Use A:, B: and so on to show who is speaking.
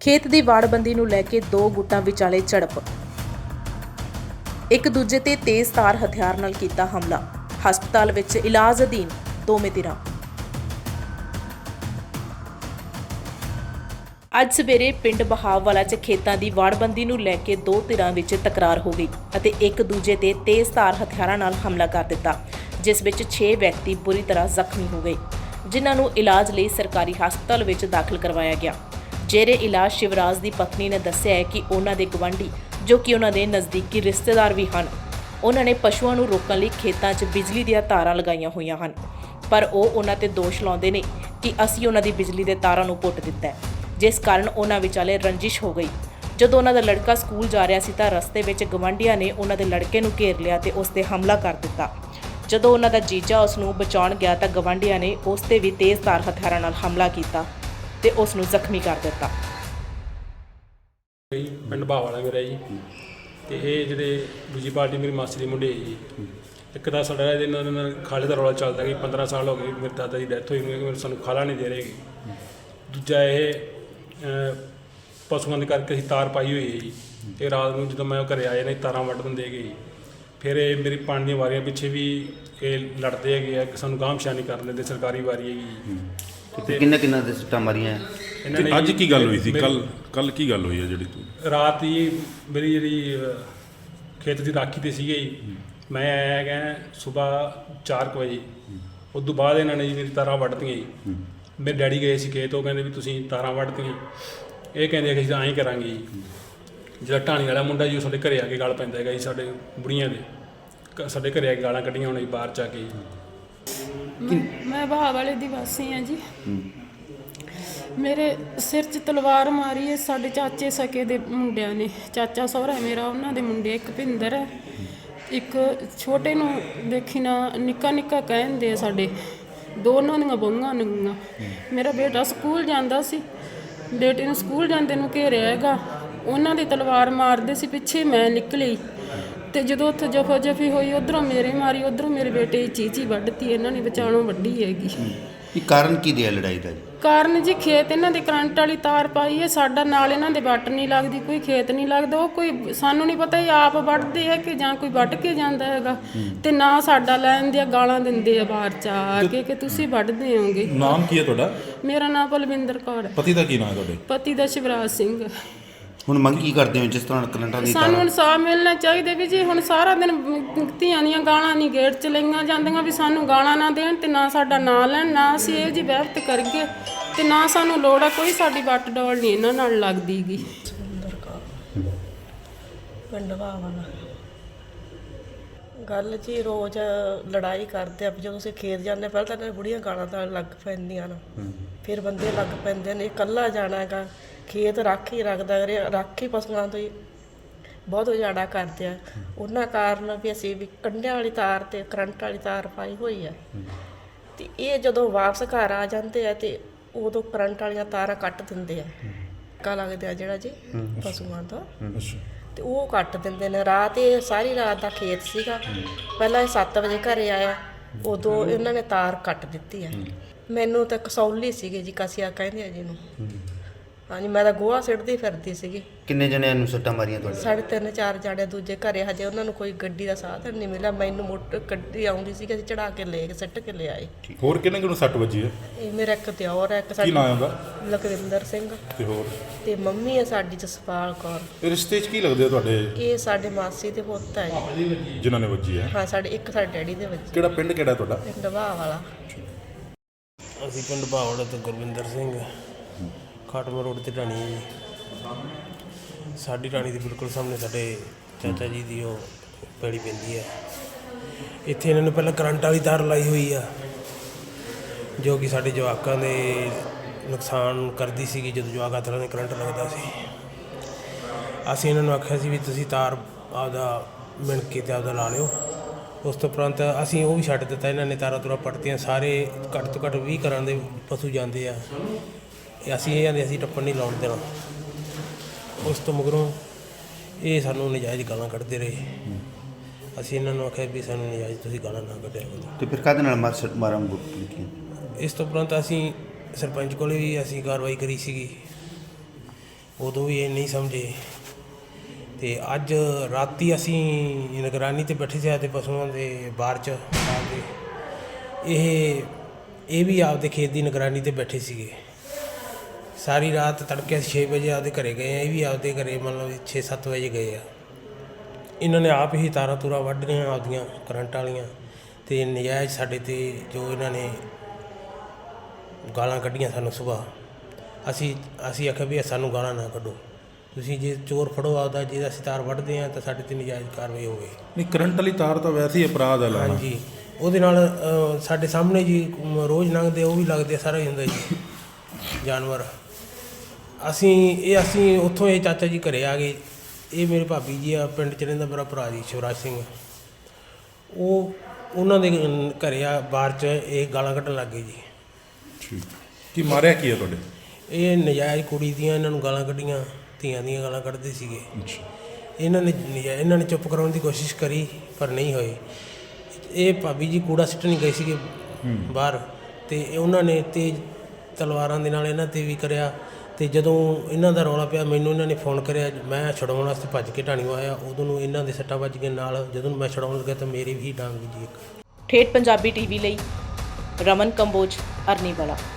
A: ਖੇਤ ਦੀ ਵਾੜਬੰਦੀ ਨੂੰ ਲੈ ਕੇ ਦੋ ਗੁੱਟਾਂ ਵਿਚਾਲੇ ਝੜਪ। ਇੱਕ ਦੂਜੇ ਤੇ ਤੇਜ਼ਧਾਰ ਹਥਿਆਰ ਨਾਲ ਕੀਤਾ ਹਮਲਾ। ਹਸਪਤਾਲ ਵਿੱਚ ਇਲਾਜ ਅਧੀਨ ਦੋਵੇਂ ਧਿਰਾਂ। ਅੱਜ ਸਵੇਰੇ ਪਿੰਡ ਬਹਾਵਵਾਲਾ 'ਚ ਖੇਤਾਂ ਦੀ ਵਾੜਬੰਦੀ ਨੂੰ ਲੈ ਕੇ ਦੋ ਧਿਰਾਂ ਵਿੱਚ ਤਕਰਾਰ ਹੋ ਗਈ ਅਤੇ ਇੱਕ ਦੂਜੇ ਤੇ ਤੇਜ਼ਧਾਰ ਹਥਿਆਰਾਂ ਨਾਲ ਹਮਲਾ ਕਰ ਦਿੱਤਾ, ਜਿਸ ਵਿੱਚ 6 ਵਿਅਕਤੀ ਬੁਰੀ ਤਰ੍ਹਾਂ ਜ਼ਖਮੀ ਹੋ ਗਏ, ਜਿਨ੍ਹਾਂ ਨੂੰ ਇਲਾਜ ਲਈ ਸਰਕਾਰੀ ਹਸਪਤਾਲ ਵਿੱਚ ਦਾਖਲ ਕਰਵਾਇਆ ਗਿਆ। ਜੇਰੇ ਇਲਾਜ ਸ਼ਿਵਰਾਜ ਦੀ ਪਤਨੀ ਨੇ ਦੱਸਿਆ ਹੈ ਕਿ ਉਹਨਾਂ ਦੇ ਗਵਾਂਢੀ, ਜੋ ਕਿ ਉਹਨਾਂ ਦੇ ਨਜ਼ਦੀਕੀ ਰਿਸ਼ਤੇਦਾਰ ਵੀ ਹਨ, ਉਹਨਾਂ ਨੇ ਪਸ਼ੂਆਂ ਨੂੰ ਰੋਕਣ ਲਈ ਖੇਤਾਂ 'ਚ ਬਿਜਲੀ ਦੀਆਂ ਤਾਰਾਂ ਲਗਾਈਆਂ ਹੋਈਆਂ ਹਨ, ਪਰ ਉਹ ਉਹਨਾਂ ਤੇ ਦੋਸ਼ ਲਾਉਂਦੇ ਨੇ ਕਿ ਅਸੀਂ ਉਹਨਾਂ ਦੀ ਬਿਜਲੀ ਦੇ ਤਾਰਾਂ ਨੂੰ ਪੁੱਟ ਦਿੱਤਾ ਹੈ, ਜਿਸ ਕਾਰਨ ਉਹਨਾਂ ਵਿਚਾਲੇ ਰੰਜਿਸ਼ ਹੋ ਗਈ। ਜਦੋਂ ਉਹਨਾਂ ਦਾ ਲੜਕਾ ਸਕੂਲ ਜਾ ਰਿਹਾ ਸੀ ਤਾਂ ਰਸਤੇ ਵਿੱਚ ਗਵਾਂਢੀਆਂ ਨੇ ਉਹਨਾਂ ਦੇ ਲੜਕੇ ਨੂੰ ਘੇਰ ਲਿਆ ਤੇ ਉਸ ਤੇ ਹਮਲਾ ਕਰ ਦਿੱਤਾ। ਜਦੋਂ ਉਹਨਾਂ ਦਾ ਜੀਜਾ ਉਸ ਨੂੰ ਬਚਾਉਣ ਗਿਆ ਤਾਂ ਗਵਾਂਢੀਆਂ ਨੇ ਉਸ ਤੇ ਵੀ ਤੇਜ਼ਧਾਰ ਹਥਿਆਰਾਂ ਨਾਲ ਹਮਲਾ ਕੀਤਾ ਤੇ ਉਸ ਨੂੰ ਜ਼ਖਮੀ ਕਰ ਦਿੱਤਾ।
B: ਪਿੰਡ ਬਹਾਵਵਾਲਾ ਮੇਰਾ ਜੀ, ਤੇ ਇਹ ਜਿਹੜੇ ਦੂਜੀ ਪਾਰਟੀ ਮੇਰੀ ਮਾਸੀ ਦੇ ਮੁੰਡੇ ਜੀ। ਇੱਕ ਤਾਂ ਸਾਡਾ ਇਹਨਾਂ ਨਾਲ ਖਾਲੇ ਦਾ ਰੌਲਾ ਚੱਲਦਾ ਕਿ 15 ਸਾਲ ਹੋ ਗਏ ਮੇਰੇ ਦਾਦਾ ਦੀ ਡੈਥ ਹੋਈ ਨੂੰ, ਕਿ ਸਾਨੂੰ ਖਾਲਾ ਨਹੀਂ ਦੇ ਰਹੇ। ਦੂਜਾ ਇਹ ਪਸ਼ੂਆਂ ਦੇ ਕਰਕੇ ਅਸੀਂ ਤਾਰ ਪਾਈ ਹੋਈ ਹੈ ਜੀ। ਇਹ ਰਾਤ ਨੂੰ ਜਦੋਂ ਮੈਂ ਉਹ ਘਰੇ ਆਏ ਨੇ ਤਾਰਾਂ ਵੱਢ ਦਿੰਦੇ ਹੈਗੇ। ਫਿਰ ਇਹ ਮੇਰੀ ਪਾਣੀ ਦੀਆਂ ਵਾਰੀਆਂ ਪਿੱਛੇ ਵੀ ਇਹ ਲੜਦੇ ਹੈਗੇ ਆ ਕਿ ਸਾਨੂੰ ਗਾਂਹ ਨਹੀਂ ਕਰਨ ਦਿੰਦੇ, ਸਰਕਾਰੀ ਵਾਰੀ ਹੈਗੀ।
C: ਤੇ ਕਿੰਨਾ ਦੇ ਸੱਟਾਂ ਮਾਰੀਆਂ
B: ਇਹਨਾਂ ਨੇ।
D: ਅੱਜ ਕੀ ਗੱਲ ਹੋਈ ਸੀ? ਕੱਲ ਕੀ ਗੱਲ ਹੋਈ ਹੈ ਜਿਹੜੀ ਤੂੰ
B: ਰਾਤ ਹੀ ਮੇਰੀ ਜਿਹੜੀ ਖੇਤ ਦੀ ਰਾਖੀ ਤੇ ਸੀਗੇ ਜੀ, ਮੈਂ ਆਇਆ ਗਿਆ ਸੁਬਾਹ 4 ਵਜੇ। ਉਸ ਤੋਂ ਬਾਅਦ ਇਹਨਾਂ ਨੇ ਜੀ ਮੇਰੀ ਤਾਰਾਂ ਵੱਢਤੀਆਂ ਜੀ। ਮੇਰੇ ਡੈਡੀ ਗਏ ਸੀ ਖੇਤ, ਉਹ ਕਹਿੰਦੇ ਵੀ ਤੁਸੀਂ ਤਾਰਾਂ ਵੱਢਤੀਆਂ। ਇਹ ਕਹਿੰਦੇ ਕਿ ਅਸੀਂ ਤਾਂ ਐਂ ਕਰਾਂਗੇ ਜੀ। ਜਿਹੜਾ ਢਾਣੀ ਵਾਲਾ ਮੁੰਡਾ ਜੀ ਉਹ ਸਾਡੇ ਘਰੇ ਆ ਕੇ ਗਾਲ ਪੈਂਦਾ ਹੈਗਾ ਜੀ, ਸਾਡੇ ਬੁੜੀਆਂ ਦੇ ਸਾਡੇ ਘਰੇ ਆ ਕੇ ਗਾਲਾਂ ਕੱਢੀਆਂ ਹੁਣ ਜੀ ਬਾਹਰ 'ਚ ਆ ਕੇ ਜੀ।
E: ਮੈਂ ਬਹਾਵਵਾਲੇ ਦੀ ਵਾਸੀ ਹਾਂ ਜੀ। ਮੇਰੇ ਸਿਰ 'ਚ ਤਲਵਾਰ ਮਾਰੀ ਹੈ ਸਾਡੇ ਚਾਚੇ ਸਕੇ ਦੇ ਮੁੰਡਿਆਂ ਨੇ। ਚਾਚਾ ਸਹੁਰਾ ਮੇਰਾ, ਉਹਨਾਂ ਦੇ ਮੁੰਡੇ, ਇੱਕ ਭਿੰਦਰ ਹੈ, ਇੱਕ ਛੋਟੇ ਨੂੰ ਦੇਖੀ ਨਾ ਨਿੱਕਾ ਨਿੱਕਾ ਕਹਿੰਦੇ ਆ ਸਾਡੇ। ਦੋਨਾਂ ਦੀਆਂ ਬਹੂਆਂ ਨੰਗੀਆਂ। ਮੇਰਾ ਬੇਟਾ ਸਕੂਲ ਜਾਂਦਾ ਸੀ, ਬੇਟੇ ਨੂੰ ਸਕੂਲ ਜਾਂਦੇ ਨੂੰ ਘੇਰਿਆ ਹੈਗਾ। ਉਹਨਾਂ ਦੀ ਤਲਵਾਰ ਮਾਰਦੇ ਸੀ, ਪਿੱਛੇ ਮੈਂ ਨਿਕਲੀ ਤੇ ਜਦੋਂ ਉੱਥੇ ਜਫਾ ਜਫੀ ਹੋਈ, ਉੱਧਰੋਂ ਮੇਰੇ ਮਾਰੀ, ਉੱਧਰੋਂ ਮੇਰੇ ਬੇਟੇ ਦੀ ਚੀਚੀ ਵੱਢਤੀ। ਇਹਨਾਂ ਨੇ ਵਿਚਾਲੋਂ ਵੱਢੀ ਹੈਗੀ।
C: ਇਹ ਕਾਰਨ ਕੀ ਰਿਹਾ ਲੜਾਈ ਦਾ?
E: ਕਾਰਨ ਜੀ ਖੇਤ ਇਹਨਾਂ ਦੇ ਕਰੰਟ ਵਾਲੀ ਤਾਰ ਪਾਈ ਹੈ, ਸਾਡਾ ਨਾਲ ਇਹਨਾਂ ਦੇ ਵੱਟ ਨਹੀਂ ਲੱਗਦੀ, ਕੋਈ ਖੇਤ ਨਹੀਂ ਲੱਗਦਾ। ਉਹ ਕੋਈ ਸਾਨੂੰ ਨਹੀਂ ਪਤਾ ਇਹ ਆਪ ਵੱਢਦੇ ਹੈ ਕਿ ਜਾਂ ਕੋਈ ਵੱਢ ਕੇ ਜਾਂਦਾ ਹੈਗਾ। ਤੇ ਨਾ ਸਾਡਾ ਲੈਣ ਦੀਆਂ ਗਾਲਾਂ ਦਿੰਦੇ ਆ ਬਾਹਰ ਚ ਆ ਕੇ ਕਿ ਤੁਸੀਂ ਵੱਢਦੇ ਹੋਗੇ।
D: ਨਾਮ ਕੀ ਹੈ ਤੁਹਾਡਾ?
E: ਮੇਰਾ ਨਾਮ ਬਲਵਿੰਦਰ ਕੌਰ ਹੈ।
D: ਪਤੀ ਦਾ ਕੀ ਨਾਮ ਹੈ ਤੁਹਾਡੇ?
E: ਪਤੀ ਦਾ ਸ਼ਿਵਰਾਜ ਸਿੰਘ।
C: ਹੁਣ ਮੰਗ ਕੀ ਕਰਦੇ ਹੋ? ਜਿਸ ਤਰ੍ਹਾਂ ਕਰੰਟਾਂ ਦੀ
E: ਸਾਨੂੰ ਇਨਸਾਫ ਮਿਲਣਾ ਚਾਹੀਦਾ ਵੀ ਜੀ। ਹੁਣ ਸਾਰਾ ਦਿਨ ਧੀਆਂ ਦੀਆਂ ਗਾਲਾਂ ਨਹੀਂ ਗੇਟ 'ਚ ਲਈਆਂ ਜਾਂਦੀਆਂ ਵੀ ਸਾਨੂੰ ਗਾਲਾਂ ਨਾ ਦੇਣ ਤੇ ਨਾ ਸਾਡਾ ਨਾਂ ਲੈਣ, ਨਾ ਅਸੀਂ ਇਹ ਜੀ ਵਹਿਬਤ ਕਰੀਏ ਤੇ ਨਾ ਸਾਨੂੰ ਲੋੜ ਆ ਕੋਈ ਸਾਡੀ ਵੱਟ ਡੋਲ ਨਹੀਂ ਇਹਨਾਂ ਨਾਲ ਲੱਗਦੀ ਗੀ।
F: ਪਿੰਡ ਬਹਾਵਵਾਲਾ ਗੱਲ ਜੀ, ਰੋਜ਼ ਲੜਾਈ ਕਰਦੇ ਆ। ਜਦੋਂ ਤੁਸੀਂ ਖੇਤ ਜਾਂਦੇ ਪਹਿਲਾਂ ਤਾਂ ਇਹਨਾਂ ਬੁੜੀਆਂ ਗਾਲਾਂ ਤਾਂ ਲੱਗ ਪੈਂਦੀਆਂ ਨੇ, ਫਿਰ ਬੰਦੇ ਲੱਗ ਪੈਂਦੇ ਨੇ। ਇਕੱਲਾ ਜਾਣਾ ਹੈਗਾ ਖੇਤ, ਰਾਖੀ ਰੱਖਦਾ, ਰਾਖੀ ਪਸ਼ੂਆਂ ਤੋਂ ਹੀ ਬਹੁਤ ਉਜਾੜਾ ਕਰਦੇ ਆ। ਉਹਨਾਂ ਕਾਰਨ ਵੀ ਅਸੀਂ ਵੀ ਕੰਢਿਆਂ ਵਾਲੀ ਤਾਰ ਤੇ ਕਰੰਟ ਵਾਲੀ ਤਾਰ ਪਾਈ ਹੋਈ ਆ। ਤੇ ਇਹ ਜਦੋਂ ਵਾਪਸ ਘਰ ਆ ਜਾਂਦੇ ਆ ਤੇ ਉਦੋਂ ਕਰੰਟ ਵਾਲੀਆਂ ਤਾਰਾਂ ਕੱਟ ਦਿੰਦੇ ਆ। ਟਿੱਕਾ ਲੱਗਦਾ ਜਿਹੜਾ ਜੀ ਪਸ਼ੂਆਂ ਦਾ, ਤੇ ਉਹ ਕੱਟ ਦਿੰਦੇ ਨੇ। ਰਾਤ ਇਹ ਸਾਰੀ ਰਾਤ ਦਾ ਖੇਤ ਸੀਗਾ। ਪਹਿਲਾਂ ਇਹ 7 ਵਜੇ ਘਰੇ ਆਇਆ, ਉਦੋਂ ਇਹਨਾਂ ਨੇ ਤਾਰ ਕੱਟ ਦਿੱਤੀ ਆ। ਮੈਨੂੰ ਤਾਂ ਕਸੌਲੀ ਸੀਗੀ ਜੀ, ਕਸਿਆ ਕਹਿੰਦੇ ਆ ਜਿਹਨੂੰ। ਹਾਂਜੀ, ਮੈਂ ਤਾਂ ਗੋਹਾ ਸਿੱਟਦੀ ਫਿਰਦੀ ਸੀਗੀ।
C: ਕਿੰਨੇ ਜਣਿਆਂ ਨੂੰ ਸੱਟਾਂ ਮਾਰੀਆਂ ਤੁਹਾਡੇ?
F: 3-4 ਜਾਣੇ। ਦੂਜੇ ਘਰੇ ਹਜੇ ਉਹਨਾਂ ਨੂੰ ਕੋਈ ਗੱਡੀ ਦਾ ਸਾਧਨ ਨਹੀਂ ਮਿਲਿਆ। ਮੈਨੂੰ ਮੋਟਰ ਗੱਡੀ ਆਉਂਦੀ ਸੀ, ਅਸੀਂ ਚੜਾ ਕੇ ਲੈ ਕੇ ਸਿੱਟ ਕੇ ਲੈ ਆਏ।
D: ਹੋਰ ਕਿੰਨੇ ਕਿਨੂੰ ਸੱਟ ਵੱਜੀ ਹੈ?
F: ਇਹ ਮੇਰਾ ਇੱਕ ਦਿਓਰ ਹੈ, ਇੱਕ
D: ਕੀ ਨਾਮ ਉਹਦਾ?
F: ਲਖਵਿੰਦਰ ਸਿੰਘ।
D: ਤੇ ਹੋਰ?
F: ਤੇ ਮੰਮੀ ਹੈ ਸਾਡੀ ਜਸਪਾਲ ਕੌਰ।
D: ਇਹ ਰਿਸ਼ਤੇ 'ਚ ਕੀ ਲੱਗਦੇ ਆ ਤੁਹਾਡੇ?
F: ਇਹ ਸਾਡੇ ਮਾਸੀ ਦੇ ਪੁੱਤ ਹੈ ਜੀ।
D: ਜਿਨ੍ਹਾਂ ਨੇ ਵੱਜੀ ਹੈ?
F: ਹਾਂ, ਸਾਡੇ ਡੈਡੀ ਦੇ ਵਿੱਚ।
D: ਕਿਹੜਾ ਪਿੰਡ ਕਿਹੜਾ ਤੁਹਾਡਾ?
F: ਪਿੰਡ ਬਹਾਵਵਾਲਾ।
G: ਅਸੀਂ ਪਿੰਡ ਬਹਾਵਵਾਲਾ ਤੋਂ ਗੁਰਵਿੰਦਰ ਸਿੰਘ, ਖਾਟਮਾ ਰੋਡ ਤੇ ਢਾਣੀ ਹੈ ਜੀ। ਸਾਡੀ ਢਾਣੀ ਦੇ ਬਿਲਕੁਲ ਸਾਹਮਣੇ ਸਾਡੇ ਚਾਚਾ ਜੀ ਦੀ ਉਹ ਪੈੜੀ ਪੈਂਦੀ ਹੈ। ਇੱਥੇ ਇਹਨਾਂ ਨੇ ਪਹਿਲਾਂ ਕਰੰਟ ਵਾਲੀ ਤਾਰ ਲਾਈ ਹੋਈ ਆ, ਜੋ ਕਿ ਸਾਡੇ ਜਵਾਕਾਂ ਦੇ ਨੁਕਸਾਨ ਕਰਦੀ ਸੀਗੀ। ਜਦੋਂ ਜਵਾਕ ਹੱਥ ਨਾਲ ਕਰੰਟ ਲੱਗਦਾ ਸੀ, ਅਸੀਂ ਇਹਨਾਂ ਨੂੰ ਆਖਿਆ ਸੀ ਵੀ ਤੁਸੀਂ ਤਾਰ ਆਪਦਾ ਮਿਣ ਕੇ ਤੇ ਆਪਦਾ ਲਾ ਲਿਓ। ਉਸ ਤੋਂ ਉਪਰੰਤ ਅਸੀਂ ਉਹ ਵੀ ਛੱਡ ਦਿੱਤਾ। ਇਹਨਾਂ ਨੇ ਤਾਰਾਂ ਤੁਰਾਂ ਪੱਟਤੀਆਂ। ਸਾਰੇ ਘੱਟ ਤੋਂ ਘੱਟ 20 ਘਰਾਂ ਦੇ ਪਸ਼ੂ ਜਾਂਦੇ ਆ। ਅਸੀਂ ਇਹ ਕਹਿੰਦੇ ਅਸੀਂ ਟੱਪਣ ਨਹੀਂ ਲਾਉਣ ਦੇਣਾ। ਉਸ ਤੋਂ ਮਗਰੋਂ ਇਹ ਸਾਨੂੰ ਨਜਾਇਜ਼ ਗਾਲਾਂ ਕੱਢਦੇ ਰਹੇ। ਅਸੀਂ ਇਹਨਾਂ ਨੂੰ ਆਖਿਆ ਵੀ ਸਾਨੂੰ ਨਜਾਇਜ਼ ਤੁਸੀਂ ਗਾਲਾਂ ਨਾ ਕੱਢਿਆ ਕਰੋ।
C: ਤੇ ਫਿਰ ਕਾਹਦੇ ਨਾਲ ਮਾਰਾਂ
G: ਇਸ ਤੋਂ ਉਪਰੰਤ ਅਸੀਂ ਸਰਪੰਚ ਕੋਲੇ ਵੀ ਅਸੀਂ ਕਾਰਵਾਈ ਕਰੀ ਸੀਗੀ ਉਦੋਂ ਵੀ ਇਹ ਨਹੀਂ ਸਮਝੇ। ਤੇ ਅੱਜ ਰਾਤੀ ਅਸੀਂ ਨਿਗਰਾਨੀ ਤੇ ਬੈਠੇ ਸੀ ਤੇ ਪਸ਼ੂਆਂ ਦੇ ਬਾਹਰ 'ਚ ਆਪਦੇ ਇਹ ਵੀ ਆਪਦੇ ਖੇਤ ਦੀ ਨਿਗਰਾਨੀ ਤੇ ਬੈਠੇ ਸੀਗੇ। ਸਾਰੀ ਰਾਤ ਤੜਕੇ 6 ਵਜੇ ਆਪਦੇ ਘਰੇ ਗਏ ਆ, ਇਹ ਵੀ ਆਪਦੇ ਘਰੇ ਮਤਲਬ 6-7 ਵਜੇ ਗਏ ਆ। ਇਹਨਾਂ ਨੇ ਆਪ ਹੀ ਤਾਰਾਂ ਤੂਰਾਂ ਵੱਢ ਰਹੀਆਂ ਆਪਦੀਆਂ ਕਰੰਟ ਵਾਲੀਆਂ, ਤੇ ਨਜਾਇਜ਼ ਸਾਡੇ ਤੇ ਜੋ ਇਹਨਾਂ ਨੇ ਗਾਲਾਂ ਕੱਢੀਆਂ ਸਾਨੂੰ ਸੁਬਾਹ। ਅਸੀਂ ਆਖਿਆ ਵੀ ਸਾਨੂੰ ਗਾਲਾਂ ਨਾ ਕੱਢੋ, ਤੁਸੀਂ ਜੇ ਚੋਰ ਫੜੋ ਆਪਦਾ, ਜੇ ਅਸੀਂ ਤਾਰ ਵੱਢਦੇ ਹਾਂ ਤਾਂ ਸਾਡੇ ਤੇ ਨਜਾਇਜ਼ ਕਾਰਵਾਈ ਹੋਵੇ।
D: ਨਹੀਂ, ਕਰੰਟ ਵਾਲੀ ਤਾਰ ਤਾਂ ਵੈਸੇ ਹੀ ਅਪਰਾਧ ਹੈ ਲਾਉਣਾ।
G: ਹਾਂਜੀ, ਉਹਦੇ ਨਾਲ ਸਾਡੇ ਸਾਹਮਣੇ ਜੀ ਰੋਜ਼ ਲੰਘਦੇ ਉਹ ਵੀ ਲੱਗਦੇ, ਸਾਰਾ ਹੀ ਹੁੰਦਾ ਜੀ ਜਾਨਵਰ। ਅਸੀਂ ਉੱਥੋਂ ਇਹ ਚਾਚਾ ਜੀ ਘਰੇ ਆ ਗਏ। ਇਹ ਮੇਰੇ ਭਾਬੀ ਜੀ ਆ, ਪਿੰਡ 'ਚ ਰਹਿੰਦਾ ਮੇਰਾ ਭਰਾ ਜੀ ਸ਼ਿਵਰਾਜ ਸਿੰਘ, ਉਹਨਾਂ ਦੇ ਘਰੇ ਆ ਬਾਹਰ 'ਚ ਇਹ ਗਾਲਾਂ ਕੱਢਣ ਲੱਗ ਗਏ ਜੀ।
D: ਠੀਕ, ਕੀ ਮਾਰਿਆ ਕੀ ਹੈ ਤੁਹਾਡੇ?
G: ਇਹ ਨਜਾਇਜ਼ ਕੁੜੀ ਦੀਆਂ ਇਹਨਾਂ ਨੂੰ ਗਾਲਾਂ ਕੱਢੀਆਂ, ਧੀਆਂ ਦੀਆਂ ਗਾਲਾਂ ਕੱਢਦੇ ਸੀਗੇ। ਇਹਨਾਂ ਨੇ ਚੁੱਪ ਕਰਾਉਣ ਦੀ ਕੋਸ਼ਿਸ਼ ਕਰੀ ਪਰ ਨਹੀਂ ਹੋਏ। ਇਹ ਭਾਬੀ ਜੀ ਕੂੜਾ ਸਿੱਟਣ ਗਏ ਸੀਗੇ ਬਾਹਰ, ਤੇ ਉਹਨਾਂ ਨੇ ਤੇਜ਼ ਤਲਵਾਰਾਂ ਦੇ ਨਾਲ ਇਹਨਾਂ 'ਤੇ ਵੀ ਕਰਿਆ। ਤੇ ਜਦੋਂ ਇਹਨਾਂ ਦਾ ਰੌਲਾ ਪਿਆ, ਮੈਨੂੰ ਇਹਨਾਂ ਨੇ ਫੋਨ ਕਰਿਆ, ਮੈਂ ਛਡਾਉਣ ਵਾਸਤੇ ਭੱਜ ਕੇ ਢਾਣੀਓ ਆਇਆ। ਉਦੋਂ ਨੂੰ ਇਹਨਾਂ ਦੇ ਸੱਟਾਂ ਵੱਜ ਗਏ ਨਾਲ। ਜਦੋਂ ਮੈਂ ਛਡਾਉਣ ਲੱਗਿਆ ਤਾਂ ਮੇਰੇ ਵੀ ਡਾਂਗ ਜੀ ਇੱਕ।
A: ਠੇਠ ਪੰਜਾਬੀ ਟੀਵੀ ਲਈ ਰਮਨ ਕੰਬੋਜ, ਅਰਨੀਵਾਲਾ।